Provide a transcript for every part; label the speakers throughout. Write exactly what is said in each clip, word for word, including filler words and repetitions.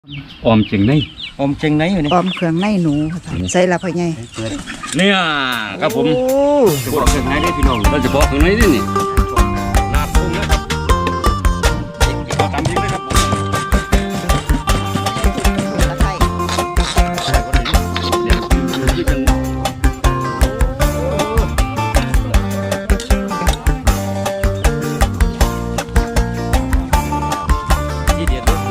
Speaker 1: ออมเจียงใน
Speaker 2: อมเจงไหนอยู่นี่
Speaker 3: ออมเครื่องในหนูใส่ละพ่อใหญ่
Speaker 1: เนี่ยครับผม
Speaker 2: เฉพาะเครื่องในได้พี่น้อง
Speaker 1: เราเฉพาะเครื่องในนี่นี่นาทุ่งนะครับเอาตามจริงเลยครับผม
Speaker 3: ตะไคร้
Speaker 1: เดี๋ยวคือจังที่เดียดด้วย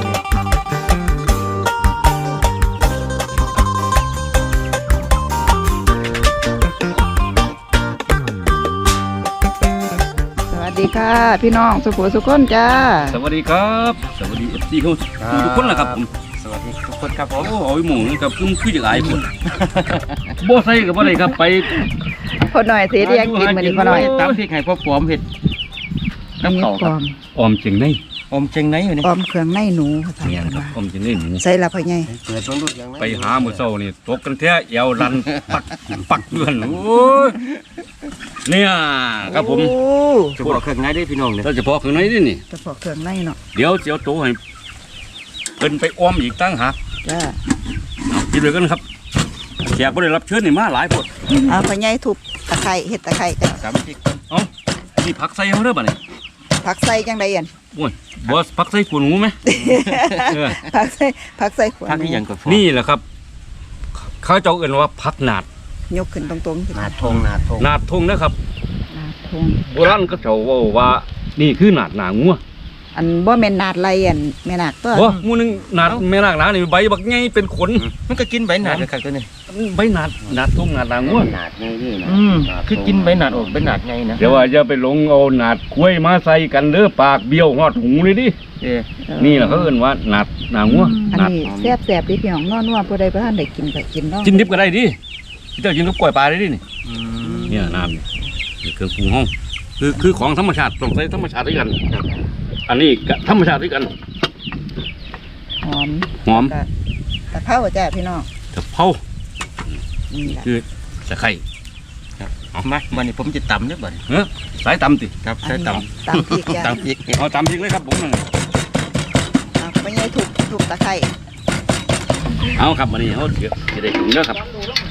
Speaker 3: สวัสดีค่ะพี่น้องสุขุสุขคนจ้า
Speaker 1: สวัสดีครับสวัสดีเอฟซีเขาทุกคนแหละครับผม
Speaker 2: สวัสดีทุกคนครับผม
Speaker 1: โอ้โหหมูนี่กับคือคือจะอายคนบ่ใส่กับบ่ได้ครับไป
Speaker 3: พอหน่อยเสียเรียกกินมาดิพอหน่อย
Speaker 2: ตามพริกให้พ่อปอมเห็ดน้ำเก่าครับ
Speaker 1: ออมเจียงใน
Speaker 2: อมเจงไหนอยู่นี่
Speaker 3: ออมเครื่องในหนู
Speaker 1: เนี่ยครับออมเจียงในหนู
Speaker 3: ใส่ละพ่อใหญ่
Speaker 1: ไปหามื้อเช้านี่ตกกันแท้เอวรันปักปักเดือนโอ้ยเนี่ยครับผม
Speaker 2: เฉพาะเครื่องในได้พี่น้องเนี่ย
Speaker 1: เราเฉพาะเครื่องในนี่นี่
Speaker 3: เฉพาะเครื่องในเนาะ
Speaker 1: เดี๋ยวเสียวโตให้เป็นไปอ้อมอีกตั้งหาก
Speaker 3: จ้า
Speaker 1: กินเลยกันครับแขกบ่ได้รับเชิญนี่มาหลายคน
Speaker 3: เอาพ่อใหญ่ทุบตะไคร้เห็ดตะไคร้จ้ะ
Speaker 2: ตามพริก
Speaker 1: เอ้านี่ผักใส่เฮาเด้อบัดนี้
Speaker 3: ผักใส่จังได๋อั่น
Speaker 1: โอ้ยบ่ผักใส่ขวดหูมั้ยเออ
Speaker 3: ผักใส่ผักใส่ขวด
Speaker 2: ผักที่หยังก็
Speaker 1: นี่แหละครับเขาเจ้าเอิ้นว่าผักหนาด
Speaker 3: ยกขึ้นตรงๆ
Speaker 2: หนาดทงหนาดทง
Speaker 1: หนาดทงนะครับ
Speaker 3: หนาดทง
Speaker 1: โบราณก็เจ้าว่าว่านี่คือหนาดหนางัว
Speaker 3: อันบ่แม่นหนาดไรอันแม่นาคตัว
Speaker 1: บ่หมู่นึงหนาดแม่นาคหนานี่ใบบักใหญ่เป็นขน
Speaker 2: มันก็กินใบหนาดเลยครับตัวนี้
Speaker 1: ใบหนาดหนาดทงหนาดหนางัว
Speaker 2: หนาดไงนี่นะอืมคือกินใบหนาดออกใบหนาดไงนะ
Speaker 1: เดี๋ยวว่าจะไปลงเอาหนาดคุ้ยมาใส่กันเด้อปากเบี้ยวฮอดหูเลยดินี่แหละเขาเอิ้นว่าหนาดหนางัว
Speaker 3: อันนี้แซ่บๆดิพี่น้องนอนว่าผู้ใดบ่ทันได้กินก็กินเนาะ
Speaker 1: กินดิบก็ได้ดิเจ้ากินกับกล้วยปลาได้ดินี่เนี่ยน้ำนี่เครื่องปรุงห้องคือคือของธรรมชาติต้องใช้ธรรมชาติด้วยกันอันนี้ธรรมชาติด้วยกัน
Speaker 3: หอม
Speaker 1: หอม
Speaker 3: ตะเภาจ้ะพี่น้อง
Speaker 1: ตะเภาคือตะไคร้
Speaker 2: เอามาวันนี้ผมจะตำเนี่ยบ่อย
Speaker 1: เออสายตำติ
Speaker 2: ครับสายตำ
Speaker 3: ตำพริกจ้ะ
Speaker 2: ตำพริก
Speaker 1: เอาตำพริกเลยครับผมนั่น
Speaker 3: เอาไปยัยถูกถูกตะไคร้
Speaker 1: เอาครับวันนี้เขาเดี๋ยวจะได้กินแล้วครับ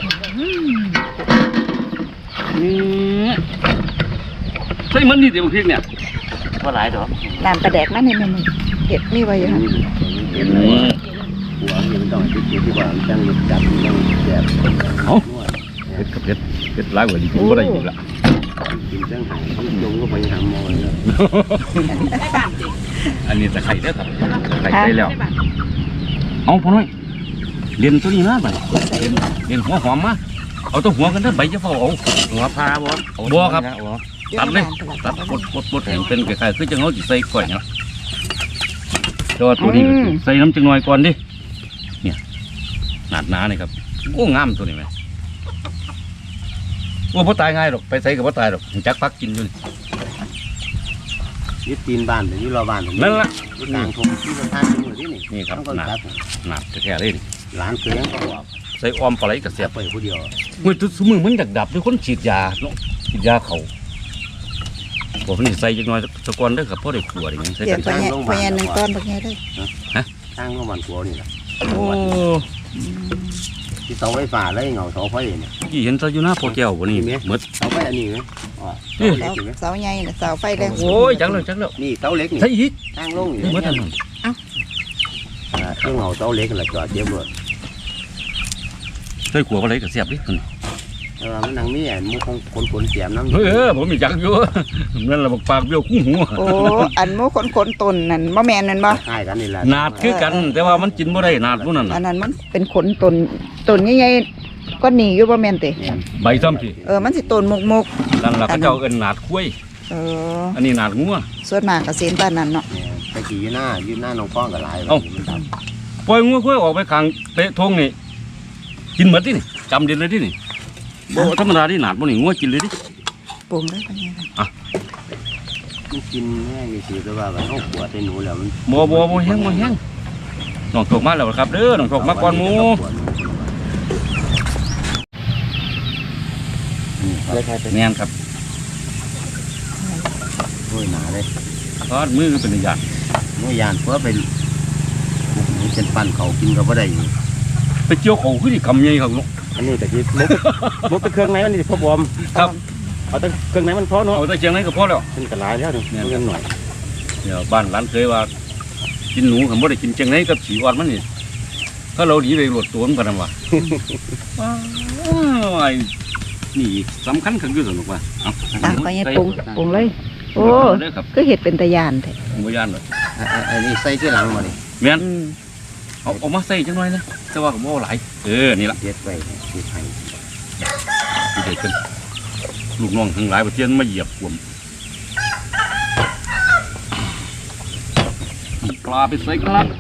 Speaker 1: ใช่เหมือนนี่แต่บางทีเนี่ย
Speaker 2: ว่าหลายดอก
Speaker 3: น้ำปลาแดกนั่นนี่มันเห็ดมีไว้ยัง
Speaker 2: หัวนี่มันต้องติดอยู่ที่ว่ามันจังจับจังแสบ
Speaker 1: เอาเผ็ดกับเผ็ดเผ็ดร้ายกว่าดีกินก็ได้อีกละ
Speaker 2: กินจังหายลงก็ไปหาหมอแล้ว
Speaker 1: อันนี้ตะไคร้เด้อครับตะไคร้ได้แล้วเอาพอน้อยเรียนตัวนี้นะไปเรียนเรียนหัวหอมมาเอาตัวหัวกันเด้อใบจะเฝ้าเอา
Speaker 2: หัวพาบ่
Speaker 1: บัวครับตัดเลยตัดปดปดปดแห่งเป็นไก่คือจังเขาจิใส่ก่อยเนาะตัวตัวนี้ใส่น้ำจังหน่อยก่อนดิเนี่ยหนาดหนาเนี่ยครับโอ้งามตัวนี้ไหมว่าพ่อตายง่ายหรอกไปใส่กับพ่อตายหรอกจักพักกินอยู่
Speaker 2: ยึดตีนบ้านหรือยึดรอบ้าน
Speaker 1: นั่นละ
Speaker 2: ต่างทงที่สถานที่นี่นี่
Speaker 1: นี่ครับหนาดหนาดแค่ๆเลย
Speaker 2: หลานเคยยังก็บอก
Speaker 1: ใส่ออมปลาไหลกับเสียบ
Speaker 2: ไปผู้เดียว
Speaker 1: เมื่อทุกมือมันดักดับด้วยคนฉีดยาเนาะฉีดยาเขาผมนี่ใส่จังน้อยตะกอนได้กับพ่อได้ขวดอย่างเงี้ยใส่
Speaker 3: กันช่างลงมาหนึ่งก้อนแบบนี้ได้
Speaker 1: ฮะ
Speaker 2: ช่างลงมาขวดนี่แหละ
Speaker 1: โอ้
Speaker 2: ที่เสาไฟฟ้าเลยเงาเสาไฟเนี่ย
Speaker 1: ที่เห็นเสาอยู่หน้าโปแก้ววันนี้เหมือน
Speaker 2: เสาไฟอันนี้ไหม
Speaker 3: เสาใหญ่เสาไฟแรง
Speaker 1: โอ้ยจังเลยจังเลย
Speaker 2: นี่เสาเล็กนี่
Speaker 1: ใช่อีก
Speaker 2: ช่างลง
Speaker 1: เหมือนกัน
Speaker 3: เอ้า
Speaker 2: เครื่องเงาเสาเล็กกันละจอดเจ็บเลย
Speaker 1: ใส่ขวดอะไรกับเสียบดิ
Speaker 2: เออมันนังมีแอนมุขขนขนเสียมน้ำ
Speaker 1: เออผมมีจักอยู่นั่นแหละปากเบี้ยวคู่หัว
Speaker 3: โอ้อันมุขขนขนต้นนั่นมะแมนนั่นบ่
Speaker 2: ใช่กันนี่แหละ
Speaker 1: นาดคือกันแต่ว่ามันกินไม่ได้นาดพวกนั้น
Speaker 3: อันนั้นมันเป็นขนต้นต้นใหญ่ๆก็หนีอยู่มะแมนเตะ
Speaker 1: ใบซ้ำสิ
Speaker 3: เออมันสิต้นมุกมุก
Speaker 1: นั่นแหละเขาเจ้าเอิ้นนาดคุ้ย
Speaker 3: เออ
Speaker 1: อันนี้นาดงัว
Speaker 3: ส่วนมากก็เส้นบ้านนั้นเนาะ
Speaker 2: ไปขี่ยืนหน้ายืนหน้าน้องฟ้องกับหลาย
Speaker 1: ปล่อยงัวคุ้ยออกไปขังเตะทงนี่กินเหมือนที่นี่จำเด่นเลยที่นี่โบธรรมดาที่หนาดพวกนี้งัวกินเลยดิ
Speaker 3: ปรุงได้ปะเนี่ย
Speaker 1: อ่ะ
Speaker 2: มันกินแห้งสิแต่ว่ามันเอาขวดใส่หนูแล้วมัน
Speaker 1: โบโบโบแห้งโบแห้งน้องถกมาแล้วครับเด้อน้องถกมาก่อนหมูแน่นครับ
Speaker 2: ด้วยหนาเลย
Speaker 1: ทอดมือเป็นยาน
Speaker 2: มือยานเพื่อเป็นหนูเเป็นปั้นเขากินก็บ่ได้อยู่
Speaker 1: ไปเจียวเขาคือที่กำใหญ่ครับลูก
Speaker 2: อันนี้ก็สิมุกมุกแต่เครื่องในมันนี่พ่อบอม
Speaker 1: ครับ
Speaker 2: เอาแต่เครื่องในมันพอเนาะ
Speaker 1: เอาแต่เชียงไหนก็พอแล้ว
Speaker 2: เป็นกระลายแล้วนี่เงินหน่อย
Speaker 1: เดี๋ยวบ้านร้านเคยว่า กินหนูผมบ่ได้กินเชียงไหนกับฉีอ่อนมันนี่ถ้าเราดีไปหลดตัวมันกันนะวะว้ายนี่สำคัญขึ้นอยู่สนุกว่ะเอา
Speaker 3: อ่ะก็ยังปรุงปรุงเลย โอ้
Speaker 1: เด้อครับ
Speaker 3: ก็เห็ดเป็นตะยานแท้
Speaker 1: ผมบ่ย่านหรอก
Speaker 2: อ่ะอ่ะอันนี้ใส่ที่หลังมาดิ
Speaker 1: แม่น
Speaker 3: อืม
Speaker 1: เอาเอามาใส่จังหน่อยนะแต่ว่าก็บ่เอาหลายเออนี่ล่ะ
Speaker 2: เด็ดไว้ที่ไทย
Speaker 1: ที่เด็ดกันลูกน้องทั้งหลายประเทศมาเหยียบขวมปลาไปใส่กันละ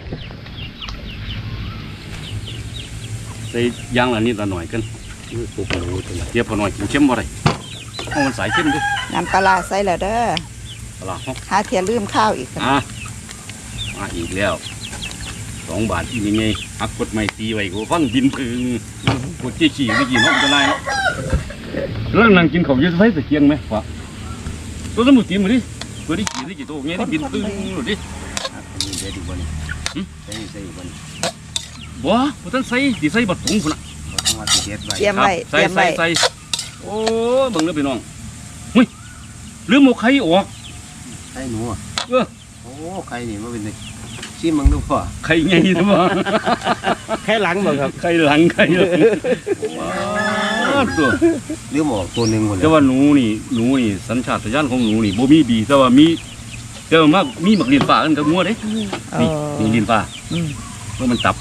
Speaker 1: ใส่ยางละนิดละหน่อยกัน
Speaker 2: นี่ปลูกหนูตัวไหน
Speaker 1: เดี๋ยวพอหน่อยกินเข้มบ่ได้เพราะมันสายเข้มเด้วย
Speaker 3: น้ำปลาร้าใส่แล้วเด้อ
Speaker 1: ปลาฮอก
Speaker 3: หาเทียลืมข้าวอีกกัน
Speaker 1: อ่ะมาอีกแล้วสองบาทอีกยังไงหักกดไม่ตีไว้กูฟังบินพึงกดจี้ขี่ไม่กินห้องจะไล่เนาะเรื่องนั่งกินเขาเยอะไฟตะเกียงไหมวะตัวสมุนตีมาดิตัวที่ขี่ที่กี่ตัวเงี้ยที่บินพึงหรือดิ
Speaker 2: อันนี้เด็ดอยู่บ่นี่ใส่ใส่อยู่บ่นี่
Speaker 1: บ่บ่ทันใส่สิใส่บัดถุงพุ่นน่ะ
Speaker 2: บ่ต้องว่าสิเด็ดไว้
Speaker 3: เตรียมไว้
Speaker 1: ใส่
Speaker 3: เตรียม
Speaker 1: ใส่
Speaker 3: ไว้
Speaker 1: ใส่โอ้เบิ่งเด้อพี่น้องหุ้ยลืมเอาไข่ออก
Speaker 2: ใส่หนูอ่ะ
Speaker 1: เออ
Speaker 2: โอ้ใครนี่มาเป็นนี่ชิมมึงดูพ่อ
Speaker 1: ไข่ใหญ่ซะบ่
Speaker 2: แค่หลังบ่ครับ
Speaker 1: ไข่หลังไข่หลังว้าวตัว
Speaker 2: หรือหมอกตัวหนึงหมดเล
Speaker 1: แต่
Speaker 2: ย
Speaker 1: ว่าหนูนี่หนูนี่สัญชาตญาณของหนูนี่บ่มีดีแต่ว่ามีแต่ว่ามามีหมักลิ้นฟ้ากันกับงัวเด้
Speaker 3: เอ
Speaker 1: นี่
Speaker 3: อ
Speaker 1: นี่ลิ้นฟ้า
Speaker 3: อืม
Speaker 1: เพราะมันตับ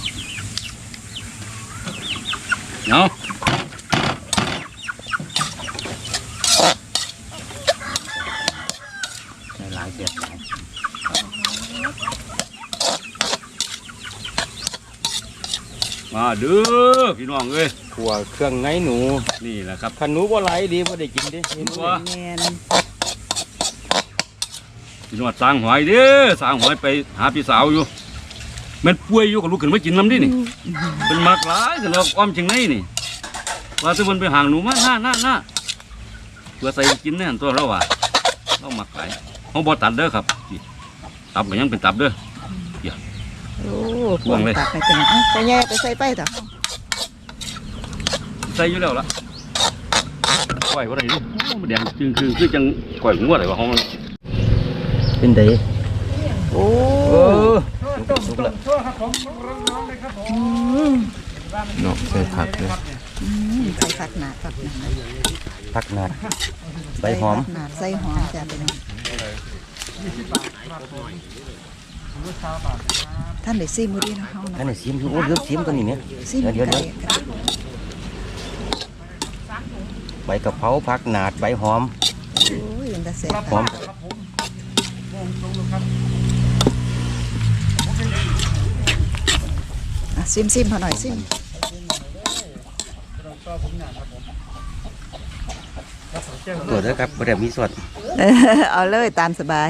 Speaker 1: เนาะ
Speaker 2: ใส่หลายเสียบหลาย
Speaker 1: มาเด้อพี่น้องเอ้ย
Speaker 2: ขัวเครื่องในหนู
Speaker 1: นี่แหละครับ
Speaker 2: คันหนูบ่ไหลดีบ่ได้กินเด้เห็นบ่
Speaker 1: ว่า
Speaker 3: แม่น
Speaker 1: พี่น้องสร้างหอยเด้อสร้างหอยไปหาพี่สาวอยู่แมันป่วยอยู่กับลูกขึ้นมากินน้ำดินี่เป็นมากหลายกันเราอ้อมจังไหนนี่ว่าทุกคนไปห่างหนูมาหน้าหน้าหน้าเพื่อใส่กินเนี่ยตัวเราว่าเราหมักหลายเขาบ่ตัดเด้อครับนี่ตับก็ยังเป็นตับเด้อ
Speaker 3: โอ้
Speaker 1: ห่วงเลย
Speaker 3: ตักไปเป็นเอ้าไปแย่ไปใส่ไปต่อ
Speaker 1: ใส่อยู่แล้วล่ะก้อยว่าไรนี่โอ้มันแดงจึงคือคือจังก้อยงัวอะไรวะห้องมัน
Speaker 2: เป็นได
Speaker 3: โอ้
Speaker 2: เออ
Speaker 3: อืม
Speaker 2: เนาะใส่ผักเลย
Speaker 3: อืมใส่ผักหนาดผักหนาด
Speaker 2: ผักนาดใบหอม
Speaker 3: ผักหนาดใส่หอมจ้ะพี่น้องท่านได้ซิมือดีเนาะเฮา
Speaker 2: ท่าน
Speaker 3: เนาะ
Speaker 2: ได้ชิมดูโอ้เลือกชิมตัวนี้เนี่ย
Speaker 3: ซิม
Speaker 2: เดี๋ยว
Speaker 3: ไก่
Speaker 2: เดี๋ยวใบกะเพราผักนาดใบหอม
Speaker 3: โอ้ยมันจะแซ่บ
Speaker 2: หอม
Speaker 3: อ่ะซิมซิมพอหน่อยซิม
Speaker 2: ตัวเด้อครับบ่ได้มีสด
Speaker 3: เออเอาเลยตามสบาย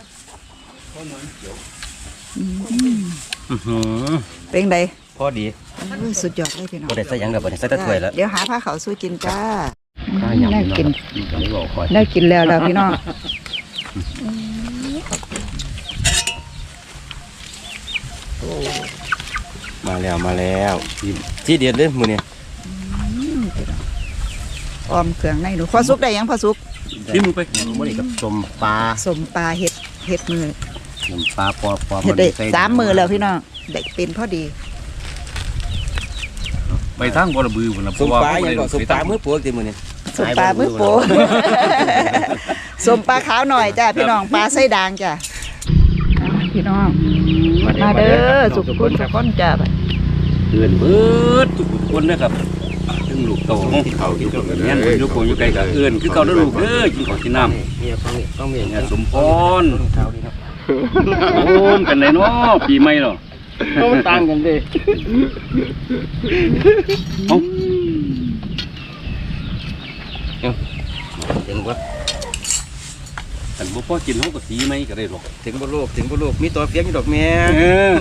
Speaker 3: อืม
Speaker 2: อื้อหือ
Speaker 3: เป็นไง
Speaker 2: พอดี
Speaker 3: โอ้ยสุดยอดเลยพี่น้อง
Speaker 2: บ่ได้ใส่หยังแล้วบ่ได้ใส่แตะถ้วยแล้ว
Speaker 3: เดี๋ยวหาผ้าขาวสู้กินจ้า
Speaker 2: ข้าวหยำ
Speaker 3: ได้กิน
Speaker 2: นี่ก็เลยบอกคอย
Speaker 3: ได้กินแล้วแล้วพี่น้อง
Speaker 2: มาแล้วมาแล้วที่ที่เด็ดเลยมื้อนี้
Speaker 3: ออมเครื่องในหนูพอซุกได้ยังพอซุก
Speaker 1: ชิมลงไป
Speaker 2: มื้อนี้กับสมปลา
Speaker 3: สมปลาเห็ดเห็ดมือ
Speaker 2: สมปลาปอปอ
Speaker 3: เห็ดได้สามมือแล้วพี่น้องได้เป็นพอดี
Speaker 1: ไปทางบ่ระบือพุ่นน่ะ
Speaker 2: สมปลายังก็สมปลามือโปกติมื้อนี้
Speaker 3: สมปลามือโป สมปลาขาวหน่อยจ้าพี่น้องปลาไส้ด่างจ้าพี่น้องมาเด้อสุกคุณสุกคนจ้าไป
Speaker 1: เดือนเบิดทุกคนนะครับถึงลูกโตของเขากินข้าวกันเนี่ยอยู่โกอยู่ไกลก็เอื้อนคือเก่าเด้อลูกเด้อกินข้าวกินน้ำ
Speaker 2: เนี่ยต้องต้องมี
Speaker 1: เนี่ยสมพร
Speaker 2: เท้านี่ครับ
Speaker 1: โอ้นเป็นไรเนาะปีใหม่เนาะ
Speaker 2: มันต่างกันเด้
Speaker 1: เอ้า
Speaker 2: ถึงบ่
Speaker 1: อันบ่พอกินเฮาก็สีไหมก็ได้หรอก
Speaker 2: ถึงบ่โลกถึงบ่โลกมีตัวเฟียงอยู่ดอกแม่
Speaker 1: เออ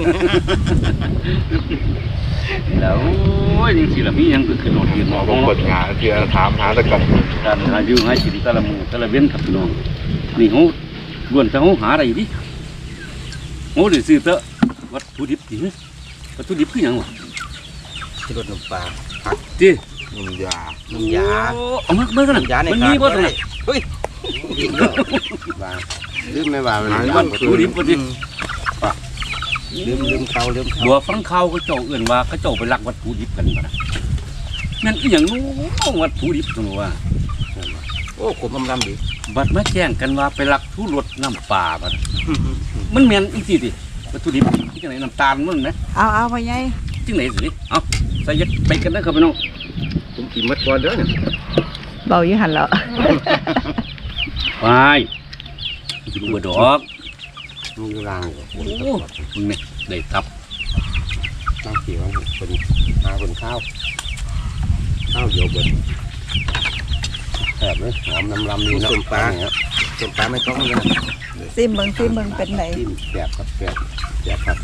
Speaker 1: แล้วโอ้ยจังซี่ล่ะมีหยังก็ขึ้นรถยืนหมอ
Speaker 4: ผ
Speaker 1: บ่
Speaker 4: ม
Speaker 1: เนาะ
Speaker 4: เปิดงานเพื่อถามหาตะกัน
Speaker 1: การหาอยู่หากินแต่ละมื้อแต่ละเว้นครับพี่น้องนี่เฮาล้วนแต่เฮาหาได้ดิเฮาได้ซื้อเตอะวัตถุดิบดิวัตถุดิบคือหยังวะ
Speaker 2: ที่รสน้ำปลา
Speaker 1: จี
Speaker 4: น้ำยา
Speaker 2: น้ำยา
Speaker 1: เอามาเบิ่งกันนะ
Speaker 2: น้ำยาใน
Speaker 1: มันมีบ่ตรงไหน
Speaker 2: เฮ้ยลืมแล้วว่าลืมไม่ว่ามัน
Speaker 1: วัตถุดิบบ่ดิ
Speaker 2: ลืมลืมเขาลืมเขา
Speaker 1: บัวฟังข่าวเขาเจ้าเอื่นว่าเขาเจ้าไปลักวัตถุดิบกันบ่นะนั่นอีหยังนู้วัตถุดิบตรงนู้นว่า
Speaker 2: โอ้ขมลำๆดี
Speaker 1: บัดมาแจ้งกันว่าไปลักทุรสน้ำปลาบ่นะมันแม่นอีกทีดิวัตถุดิบที่จังไหนน้ำตาลมันนะ
Speaker 3: เอาเอาพ่อใหญ่
Speaker 1: จังไหนสิเอาใส่ยัดไปกันนะครับพี่น้อง
Speaker 2: ผมกินมัดก่อนเด้อเนี่ย
Speaker 3: เบาอยู่หันแล้ว
Speaker 1: ไปกินบัวดอก
Speaker 2: มีรางอยู่
Speaker 1: โอ้โหมึงเนี่ยได้ตับ
Speaker 2: ตั้งเขียวเป็นหาเป็นข้าวข้าวเดียวเบิดแซ่บเลยหอมน้ำลำดีนะส้มปลาเนี่ยส้มปลาไม่ต้องเลย
Speaker 3: ซิมเบิ่งซิมเบิ่งเป็นไหน
Speaker 2: จิ้มแซ่บครับแซ่บแซ่บครับ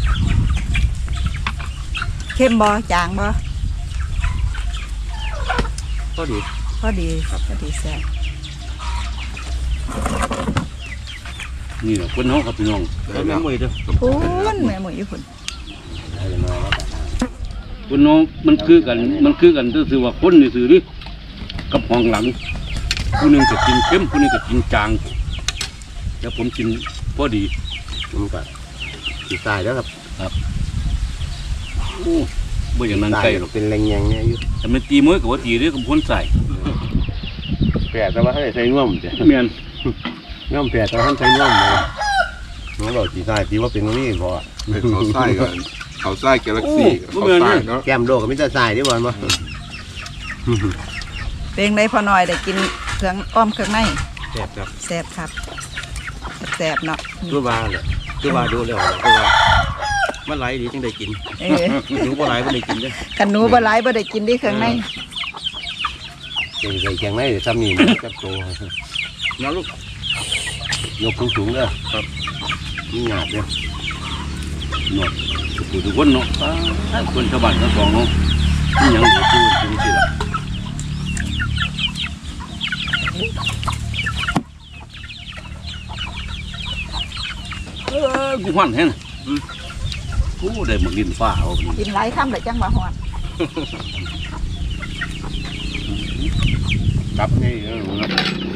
Speaker 3: เข้มบ่จางบ่
Speaker 2: ก็ดี
Speaker 3: พอดีพอดีแซ่บ
Speaker 1: นี่แหละคนเขาครับพี่น้อง
Speaker 2: แล้วแม่มวยด้วย
Speaker 3: พูนแม่หมูอยู่พุ่น
Speaker 2: ได้เลยน้อยแล้วกัน
Speaker 1: คนน้องมันคือกันมันคือกันก็คือว่าคนนี่สื่อดิกับห้องหลังผู้หนึงจะกินเข้มผู้หนึงจะกินจางแล้วผมกินพอดี
Speaker 2: ผมก็ตีตายแล้วครับ
Speaker 1: โอ้บ่อย่างนั้นไกลหรอก
Speaker 2: เป็นแรงยังเนี่ยอยู่
Speaker 1: แต่มันตีมือกับว่าตีเรื่องกับคนใส่
Speaker 2: แปดแต่ว่าให้ใส่น่วมจ้ะ
Speaker 1: เมียน
Speaker 2: น่วมแปดแต่ว่าให้ใส่น่วมเลยน้องเราตีตายตีว่าเป็นนี่พอ
Speaker 4: เป็นเขาไส้กันเขาไส้กาแล็กซี่เขาไส้เนาะ
Speaker 2: แก้มโลกกับมิตรทรายที่บอลมา
Speaker 3: เป็นไดพอหน่อยได้กินเครื่องอ้อมเครื่องใน
Speaker 2: แซ่บครับ
Speaker 3: แซ่บครับแซ่บเนาะ
Speaker 2: ตัวบาเลยตัวบาดูแล้วตัวบามันไหลดีจังได้กิน
Speaker 3: เออ
Speaker 2: ดูบ่ไหลบ่ได้กินเด้อ
Speaker 3: กันหนูบ่หลายบ่ได้กินได้เครื่องใน
Speaker 2: เก่งใส่แข็งไหนเดี๋ยวซ้ำนี่มันกับโตน้องลูกยกสูงๆเด้อครับนี่หยาบเด้อ
Speaker 1: เนาะผู้ทุกคนเนาะอ้าคนชาวบ้านชาวซองเนาะนี่หยังอยู่ที่จริงสิล่ะเออกูหวันแฮะน่ะอืมกูได้หมึกดินฟ้าเอานี่
Speaker 3: กินหลายคำได้จังว่าฮอด
Speaker 2: กลับนี่เออครับ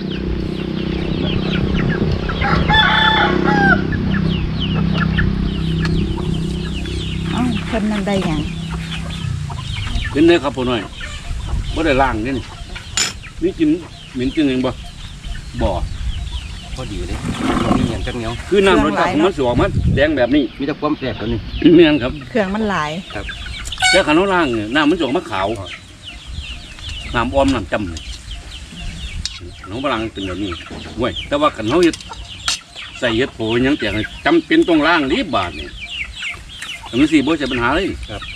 Speaker 3: เอ้าเพิ่นนั่นได้หยัง
Speaker 1: เป็นไงครับพ่อหน่อยบ่ได้ล้างนี่นี่มีกินเหม็นกินเองบ่บ่
Speaker 2: พอดีเลยนี่อย่างจังเหนียว
Speaker 1: คือน้ำรสชาติของมันสิออกมาแดงแบบนี้
Speaker 2: มีแต่ความแซ่บตัวนี้
Speaker 1: แม่นครับ
Speaker 3: เครื่องมันหลาย
Speaker 1: แต่ขันเราล้างเนี่ยน้ำมันจะออกมาขาวน้ำอ้อมน้ำจำเนี่ยน้องบลังเป็นแบบนี้เว้ยแต่ว่าขันเขาเฮ็ดใส่เฮ็ดโผล่หยังแต่จำเป็นต้องล้างรีบบาทเนี่ยแต่มันสี่บ่ใช่ปัญหาเลย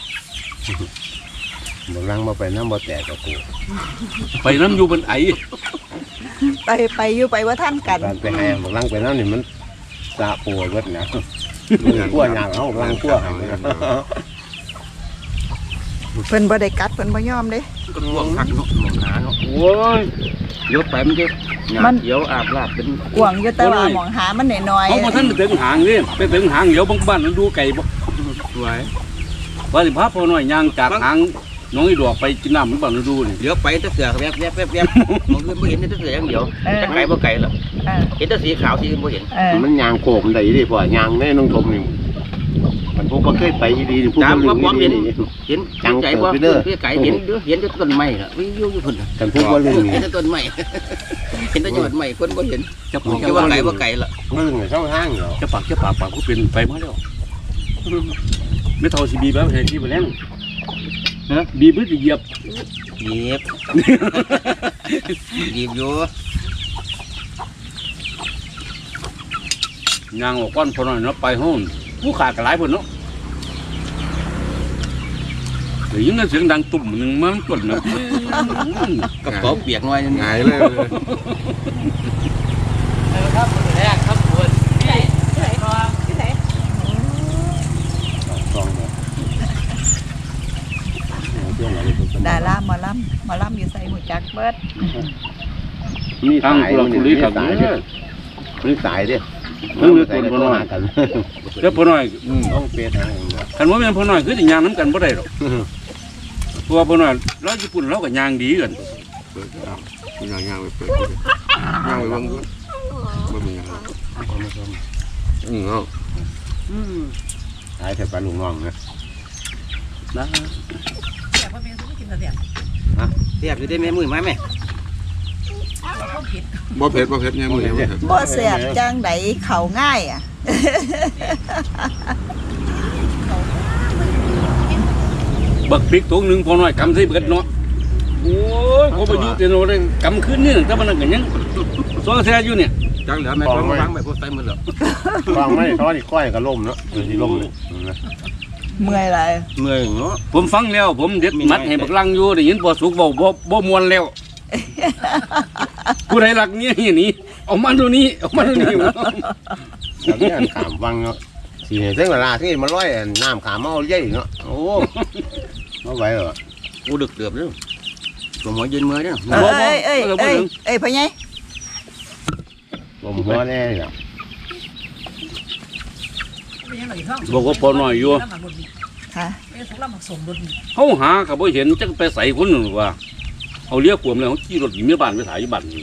Speaker 2: บ่ลังมาไปน้ำบ่แตกกับกู
Speaker 1: ไปน้ำอยู่บนไอ
Speaker 3: ไปไปอยู่ไปว่าท่านกัน
Speaker 2: การไปให้บ่ลังไปน้ำนี่มันสะปวดเบิดนะขั้วหยาบเอาลังขั้วให้นะ
Speaker 3: เพิ่นบ่ได้กัดเพิ่นบ่ยอมเด้
Speaker 2: ก็ท่วงคักเนาะมองหาเนาะ
Speaker 1: โอ้ย
Speaker 2: ยกไปมันจะหยา
Speaker 3: มั
Speaker 2: บ
Speaker 3: น
Speaker 2: เขียวอาบลาบเป็น
Speaker 3: กวางอยู่แต่ว่าหมองหามันน้อย
Speaker 1: เขาพอท่านไปถึงหางนี่ไปถึงหางเดี๋ยวบางบ้านมันดูไก่บ่
Speaker 2: สวย
Speaker 1: ว่าสิพาพ่อหน่อยย่างจากหางน้องอีดอกไปกินน้ำมันบ้านมันดูนี่
Speaker 2: เดี๋ยวไปแตะเสือแวบแวบแวบแวบมองขึ้นไม่เห็นแตะเสืออย่างเดียว
Speaker 3: ๆเออ
Speaker 2: จะไก่บ่ไก่หรอ
Speaker 3: เออ
Speaker 2: เห็นแต่สีขาวสีอื่นไม่เห็น
Speaker 3: เออ
Speaker 2: มันยางโขกมันได้ดิพ่อยางแน่น้องทมนี่มันพวกมันเคยไปดีๆพวกมันลืมดีนี่
Speaker 5: เห็น
Speaker 2: จัง
Speaker 5: ใจ
Speaker 2: เกิ
Speaker 5: บ่
Speaker 2: ดไปเด้อ
Speaker 5: พี่ไก่เห็นเด้อเห็นแต่ต้นไม้ล่ะวิ่งอยู่อยู่พุ่นน่ะ
Speaker 2: กันพวกมันลืม
Speaker 5: เห็
Speaker 2: นี่
Speaker 5: นแต่ต้นไม้ เห็นแต่ยอดไม้คนบ่เห็น
Speaker 1: จะปาก
Speaker 5: แค่ว่าไก่บ่ไก่ล่ะ
Speaker 2: มันลืมในช่องทางเหรอ
Speaker 1: จะปากจะปากปากก็เป็นไปมาแล้วไม่เท่าสิบีแบบเห็นที่ไปแล้วฮะบีบหรือสิเหยียบ
Speaker 5: หยิบหยิบอยู่
Speaker 1: ยางออกก้อนพอหน่อยเนาะไปห้องผู้ขาดกระไรพุ่นเนาะเดี๋ยวยิ่งได้เสียงดังตุ่มหนึ่งมันจนนะ
Speaker 5: กระเป๋าเปียกหน่อยนึง
Speaker 4: หายเลย
Speaker 5: ครับแรกครับคุณ
Speaker 2: ซองเนี่ยเที่ยวไหน
Speaker 3: ดาราหมอลำหมอลำอยู่ใส่หูจักเบิด
Speaker 2: มี
Speaker 1: ทาง
Speaker 2: สาย
Speaker 1: กุหลาบ
Speaker 2: มัน
Speaker 1: กุลี
Speaker 2: มี
Speaker 1: กับ
Speaker 2: สาย
Speaker 1: เนี่
Speaker 2: เนี่ย ยมีสายดิ
Speaker 1: เรื่องเรื่องคนพ่อน้อย
Speaker 2: กัน
Speaker 1: แล้วพ่อน้อย
Speaker 2: ต้องเปลี่ยนทางอย่างเดียว
Speaker 1: คันว่าแม่นพ่อน้อยคือสิย่างน้ำกันบ่ได้หรอกเพราะว่าพ่อน้อยเราญี่ปุ่นเราก็ย่างดีกัน
Speaker 4: เปิดเอาคุณย่างย่างไปเปิดย่างไปเบิ่งด้วยบ่มีหยังอืมเอา
Speaker 2: หายแต่ปลาลุงน้องนะ
Speaker 1: นะ
Speaker 5: เสียบอยู่ได้แม่มือไหมแม่
Speaker 4: บ่เผ็ดบ่เผ็ดเนี่ยมื้อนี้บ่เผ็ด
Speaker 3: บ่แซ่บจังไดเข้าง่ายอ่ะ
Speaker 1: บักพริกถุงหนึงพ่อน้อยกำใส่เบิดเนาะโอ้ยเขาไปอยู่แต่โน่นเลยกำขึ้นนี่แต่มันนั่นก็ยังซ้อแซ่อยู่เนี่ย
Speaker 2: จังเหลือแม่ต้องฟังไปพวกไตมือเหรอฟังไม่ท้อนี่ก้อยก็ล่มเนาะที่ล่มเลย
Speaker 3: เมื่อยหลาย
Speaker 2: เมื่อยเนาะ
Speaker 1: ผมฟังแล้วผมเด็ดมัดให้บักลังอยู่ได้ยินพอสุกเว้าบ่บ่ม่วนแล้ว ผู้ใดรักเนี่ยอย่างนี้เอามาดูนี้เอามาดูนี้
Speaker 2: แล้วเนี่ยขามฟังเนาะสี่เส้นเวลาที่มันร้อยน้ำขามเมาเยอะเนาะโอ้ไม่ไหวเหรอ
Speaker 5: กูดึกเดือบเลยตัวหมอยืนมือเนี่ย
Speaker 3: เอ้ยเอ้ยเอ้ยเอ้ยพ่อใหญ่
Speaker 2: ลมหัวแน่เนี่ย
Speaker 1: บอกว่าพอหน่อยอยู่
Speaker 3: ค่ะ
Speaker 1: เขาหากับบ่เห็นจักไปใส่คนหนึ่งว่าเขาเรียกกวมแล้วเขาขี่รถหนีเมียบ้านไปถ่ายอยู่บ้านนี่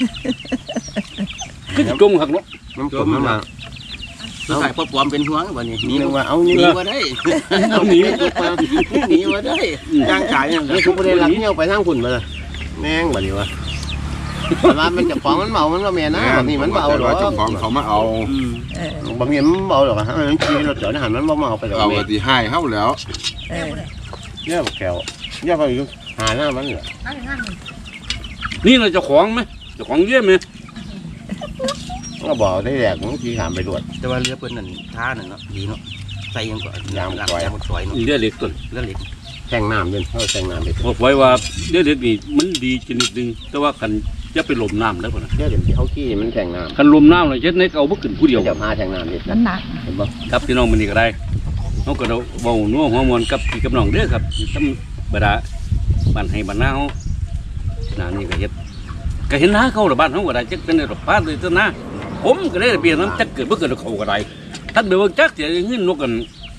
Speaker 1: คือจมหักเนาะ
Speaker 2: น้ำต้มน้ำมา
Speaker 5: ตัวไก่พอปลอมเป็นหัววันนี้
Speaker 2: นี่
Speaker 5: นี่
Speaker 2: ว่าเอา
Speaker 5: ห
Speaker 2: นี่
Speaker 5: นี
Speaker 2: ว่า
Speaker 5: มาได้
Speaker 1: เอาหนี
Speaker 5: หนีมาได้
Speaker 2: ย่างขายเนี่ยทุกประเด็นหลักเนี่ยไปทางขุนมาเลยแม่งแบบนี้วะแต่ว่ามันจะฟ้องมันเมามันว่าแม่นะแบบนี้มันเบาหรอ
Speaker 4: เจ้าของเขามาเอา
Speaker 3: เออบ
Speaker 2: างทีมันเบาหรอกฮะมันขี่รถเจอดหันมันเบาไปแต่
Speaker 4: เอา
Speaker 2: แม่
Speaker 4: ก็สิให้เฮาแล้ว
Speaker 3: เออ
Speaker 2: เยอะแก้วเยอะไปอยู่หาหน้ามันเหรอ
Speaker 1: นี่เราเจะของไหมเจะของเยี่ยมไหม
Speaker 2: ก็บอกได้แหลกมันขี่ขามไปรวด
Speaker 5: แต่ว่าเรือเปิ้นนั่นท่านั่นเนาะดีเนาะใส่ยังก่อน
Speaker 2: ยาม
Speaker 5: หลัง
Speaker 2: ซอย
Speaker 5: ยามซอยเนาะ
Speaker 1: เรียกเล็กต้น
Speaker 5: เรือเหล็ก
Speaker 2: แทงน้ำเดินเข้าแทงน้ำไป
Speaker 1: บอกไว้ว่าเรียกเล็กนี่มันดีชนิดหนึงแต่ว่าคันจะไปหลมน้ำแล้วพอนะ
Speaker 2: เยอะเดี๋ยวเขาขี่มันแทงน้
Speaker 1: คันหลมน้ำเลยเช็ดในเก่าบ่ขึ้นผู้เดียว
Speaker 2: ำจะพาแทงน้ำดิ
Speaker 3: นั่นหนัก
Speaker 2: เห็นปะ
Speaker 1: ครับพี่น้องมันนี่ก็ได้เขาก็เราเบานัวหัวมวนกับพี่กับน้องเด้อครับธรรมบดาบ้านให้บ้านนาเขาหน้านี่ก็เฮ็ดก็เห็นหน้าเขาหรือบ้านเขาก็ได้จักเป็นดอกป้าเลยเจ้านะผมก็ได้เปลี่ยนน้ำจักเกิดบ่เกิดเขาก็ได้ท่านเดี๋ยวจักเสียเงินนกกัน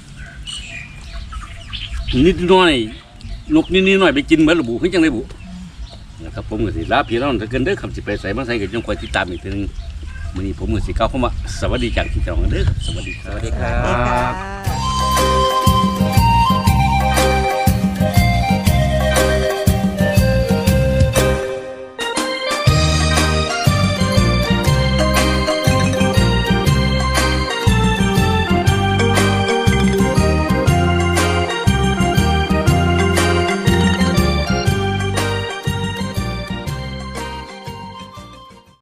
Speaker 1: นิดน้อยนกนิดน้อยไปกินเหมือนระบุขึ้นจังได้บุนะครับผมก็สิลาพี่น้องถ้าเกินเด้อคำสิไปใส่มาใส่ก็จังคอยติดตามอีกทีนึงมื้อนี้ผมก็สิกล่าวคำว่าสวัสดีจากพี่น้องเด้อครับสวัสดีค
Speaker 5: ส
Speaker 1: รับ
Speaker 5: วัสดีค
Speaker 3: ส
Speaker 5: รั
Speaker 3: วัสดี
Speaker 5: บ
Speaker 3: ค่ะ